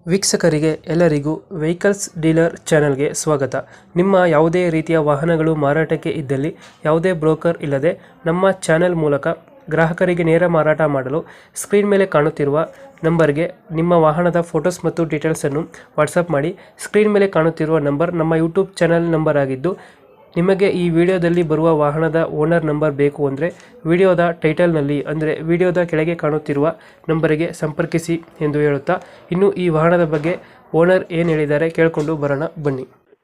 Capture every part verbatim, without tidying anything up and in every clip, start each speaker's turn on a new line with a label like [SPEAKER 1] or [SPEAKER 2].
[SPEAKER 1] ವೀಕ್ಷಕರಿಗೆ ಎಲ್ಲರಿಗೂ vehicles dealer ಚಾನೆಲ್ಗೆ ಸ್ವಾಗತ. ನಿಮ್ಮ ಯಾವುದೇ ರೀತಿಯ ವಾಹನಗಳು ಮಾರಾಟಕ್ಕೆ ಇದ್ದಲ್ಲಿ ಯಾವುದೇ ಬ್ರೋಕರ್ ಇಲ್ಲದೆ ನಮ್ಮ ಚಾನೆಲ್ ಮೂಲಕ ಗ್ರಾಹಕರಿಗೆ ನೇರ ಮಾರಾಟ ಮಾಡಲು ಸ್ಕ್ರೀನ್ ಮೇಲೆ ಕಾಣುತ್ತಿರುವ ನಂಬರ್ಗೆ ನಿಮ್ಮ ವಾಹನದ ಫೋಟೋಸ್ ಮತ್ತು ಡೀಟೇಲ್ಸನ್ನು ವಾಟ್ಸಪ್ ಮಾಡಿ. ಸ್ಕ್ರೀನ್ ಮೇಲೆ ಕಾಣುತ್ತಿರುವ ನಂಬರ್ ನಮ್ಮ ಯೂಟ್ಯೂಬ್ ಚಾನೆಲ್ ನಂಬರ್ ಆಗಿದ್ದು, ನಿಮಗೆ ಈ ವಿಡಿಯೋದಲ್ಲಿ ಬರುವ ವಾಹನದ ಓನರ್ ನಂಬರ್ ಬೇಕು ಅಂದರೆ ವಿಡಿಯೋದ ಟೈಟಲ್ನಲ್ಲಿ ಅಂದರೆ ವಿಡಿಯೋದ ಕೆಳಗೆ ಕಾಣುತ್ತಿರುವ ನಂಬರಿಗೆ ಸಂಪರ್ಕಿಸಿ ಎಂದು ಹೇಳುತ್ತಾ, ಇನ್ನು ಈ ವಾಹನದ ಬಗ್ಗೆ ಓನರ್ ಏನು ಹೇಳಿದ್ದಾರೆ ಕೇಳಿಕೊಂಡು ಬರೋಣ ಬನ್ನಿ.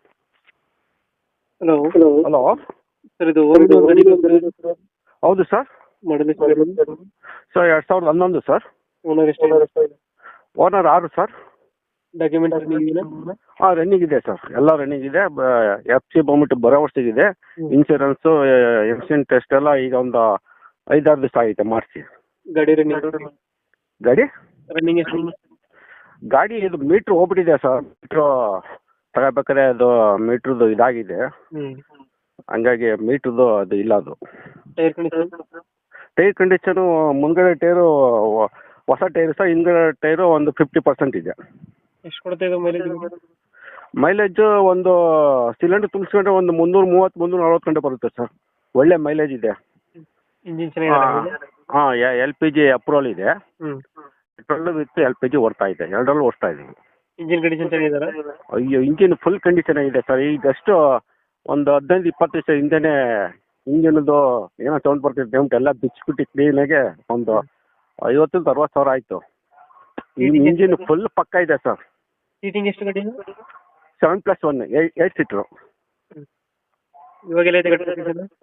[SPEAKER 1] ಹಲೋ
[SPEAKER 2] ಹಲೋ
[SPEAKER 1] ಸರ್, ಇದು
[SPEAKER 2] ಹೌದು ಸರ್.
[SPEAKER 1] ಮಾಡಲಿ
[SPEAKER 2] ಸರ್ ಎರಡು ಸಾವಿರದ ಹನ್ನೊಂದು ಸರ್.
[SPEAKER 1] ಓನರ್ ಎಷ್ಟು?
[SPEAKER 2] ಓನರ್ ಆರು ಸರ್.
[SPEAKER 1] ಡಾಕ್ಯುಮೆಂಟ್
[SPEAKER 2] ಹಾಂ ರನ್ನಿಂಗ್ ಇದೆ ಸರ್, ಎಲ್ಲ ರನ್ನಿಂಗ್ ಇದೆ. ಎಫ್ ಸಿ ಬಂದ್ಬಿಟ್ಟು ಬರೋ ವರ್ಷದಿದೆ. ಇನ್ಶೂರೆನ್ಸು ಎಕ್ಸಿಡೆಂಟ್ ಟೆಸ್ಟ್ ಎಲ್ಲ ಈಗ ಒಂದು ಐದಾರು ದಿವಸ ಆಗಿದೆ ಮಾಡಿಸಿ.
[SPEAKER 1] ಗಾಡಿ ರನ್ನಿಂಗ್
[SPEAKER 2] ಗಾಡಿ
[SPEAKER 1] ರನ್ನಿಂಗ್ ಎಷ್ಟು?
[SPEAKER 2] ಗಾಡಿ ಇದು ಮೀಟ್ರ್ ಹೋಗ್ಬಿಟ್ಟಿದೆ ಸರ್. ಮೀಟ್ರು ತಗೋಬೇಕಾದ್ರೆ ಅದು ಮೀಟ್ರದ್ದು ಇದಾಗಿದೆ,
[SPEAKER 1] ಹ್ಞೂ
[SPEAKER 2] ಹಂಗಾಗಿ ಮೀಟ್ರದ್ದು ಅದು ಇಲ್ಲ. ಅದು
[SPEAKER 1] ಟೈರ್ ಕಂಡೀಷನ್
[SPEAKER 2] ಟೈರ್ ಕಂಡೀಷನು ಮುಂದ್ಗಡೆ ಟೈರು ಹೊಸ ಟೈರು ಸರ್, ಹಿಂದ್ಗಡೆ ಟೈರು ಒಂದು ಫಿಫ್ಟಿ ಪರ್ಸೆಂಟ್ ಇದೆ.
[SPEAKER 1] ಎಷ್ಟು ಕೊಡ್ತಾ ಇದೆ ಮೈಲೇಜ್?
[SPEAKER 2] ಮೈಲೇಜ್ ಒಂದು ಸಿಲಿಂಡರ್ ತುಂಬಿಸ್ಕೊಂಡ್ರೆ ಒಂದು ಮುನ್ನೂರು ಮೂವತ್ತು ಮುನ್ನೂರ ನಲ್ವತ್ತು ಗಂಟೆ ಬರುತ್ತೆ ಸರ್. ಒಳ್ಳೆ ಮೈಲೇಜ್ ಇದೆ.
[SPEAKER 1] ಇಂಜಿನ್ ಚೆನ್ನಾಗಿದೆ?
[SPEAKER 2] ಹಾಂ ಎಲ್ ಪಿ ಜಿ ಅಪ್ರೂವಲ್ ಇದೆ.
[SPEAKER 1] ಹ್ಞೂ
[SPEAKER 2] petrol with L P G ಓಡ್ತಾ ಇದೆ, ಎರಡರಲ್ಲೂ ಓಡ್ತಾ ಇದೆ.
[SPEAKER 1] ಇಂಜಿನ್ ಕಂಡೀಷನ್ ಚೆನ್ನಾಗಿದಾರ?
[SPEAKER 2] ಅಯ್ಯೋ ಇಂಜಿನ್ ಫುಲ್ ಕಂಡೀಷನ್ ಆಗಿದೆ ಸರ್. ಈಗ ಜಸ್ಟ್ ಒಂದು ಹದಿನೈದು ಇಪ್ಪತ್ತು ದಿವಸ ಹಿಂದೆನೇ ಇಂಜಿನ್ದು ಏನೋ ಸೌಂಡ್ ಬರ್ತಿದೆ, ಪೇಮೆಂಟ್ ಎಲ್ಲ ಬಿಚ್ಚಿಬಿಟ್ಟು ಕ್ಲೀನಾಗೆ ಒಂದು ಐವತ್ತರಿಂದ ಅರವತ್ತು ಸಾವಿರ ಆಯಿತು. ಇಂಜಿನ್ ಫುಲ್ ಪಕ್ಕ ಇದೆ ಸರ್.
[SPEAKER 1] ಸೀಟಿಂಗ್ ಎಷ್ಟು ಗಾಡಿ?
[SPEAKER 2] Seven plus one eight seater.
[SPEAKER 1] ಇವಾಗೆಲ್ಲ ಇದೆ ಗಾಡಿ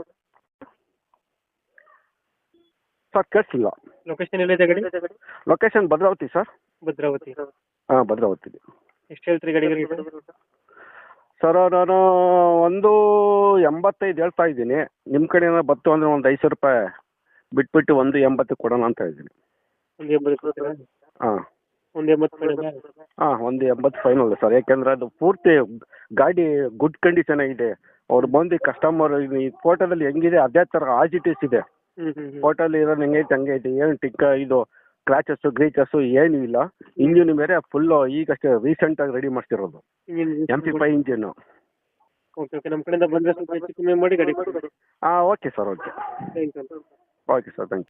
[SPEAKER 2] ಸರ್ ಕೇಳಿಸಿಲ್ಲ.
[SPEAKER 1] ಲೊಕೇಶನ್ ಎಲ್ಲಿದೆ ಗಾಡಿ?
[SPEAKER 2] Location Bhadravati sir.
[SPEAKER 1] ಭದ್ರಾವತಿ.
[SPEAKER 2] ಹಾಂ ಭದ್ರಾವತಿ.
[SPEAKER 1] ಎಷ್ಟು ಹೇಳ್ತೀರಿ ಗಾಡಿಗೆ?
[SPEAKER 2] ಸರ್ ನಾನು ಒಂದು ಎಂಬತ್ತೈದು ಹೇಳ್ತಾ ಇದ್ದೀನಿ. ನಿಮ್ಮ ಕಡೆ ಏನಾದ್ರು ಬತ್ತು ಅಂದರೆ ಒಂದು ಐದು ಸಾವಿರ ರೂಪಾಯಿ ಬಿಟ್ಬಿಟ್ಟು ಒಂದು ಎಂಬತ್ತು ಕೊಡೋಣ ಅಂತ ಇದ್ದೀನಿ.
[SPEAKER 1] ಒಂದು ಎಂಬತ್ತು? ಹಾಂ, ಒಂದು ಎಂಬತ್ತು ಕೊಡೋಣ.
[SPEAKER 2] ಹಾಂ ಒಂದು ಎಂಬತ್ತು ಫೈನಲ್ ಸರ್. ಯಾಕೆಂದರೆ ಅದು ಪೂರ್ತಿ ಗಾಡಿ ಗುಡ್ ಕಂಡೀಷನ್ ಆಗಿದೆ. ಅವ್ರು ಬಂದು ಕಸ್ಟಮರ್ ಈ ಫೋಟೋದಲ್ಲಿ ಹೆಂಗಿದೆ ಅದೇ ಥರ ಆಸ್ ಇಟ್ ಈಸ್ ಇದೆ. ಫೋಟೋಲ್ಲಿ ಇರೋದು ಹೆಂಗೈತೆ ಹಂಗೆ ಐತೆ. ಏನು ಟಿಕ್ಕ ಇದು ಕ್ರಾಚಸ್ಸು ಗ್ರೀಚಸ್ಸು ಏನೂ ಇಲ್ಲ. ಇಂಜಿನ್ ಬೇರೆ ಫುಲ್ಲು ಈಗಷ್ಟೇ ರೀಸೆಂಟಾಗಿ ರೆಡಿ ಮಾಡ್ತಿರೋದು, ಎಮ್ ಪಿ ಫೈವ್ ಇಂಜಿನ್ನು.
[SPEAKER 1] ಓಕೆ ಓಕೆ, ನಮ್ಮ ಕಡೆಯಿಂದ ಬಂದರೆ ಸ್ವಲ್ಪ ಹೆಚ್ಚು ಕಮ್ಮಿ ಮಾಡಿ ಗಾಡಿ ಕೊಡಿ.
[SPEAKER 2] ಹಾಂ okay sir. Okay
[SPEAKER 1] thank you.
[SPEAKER 2] Okay sir, thank you.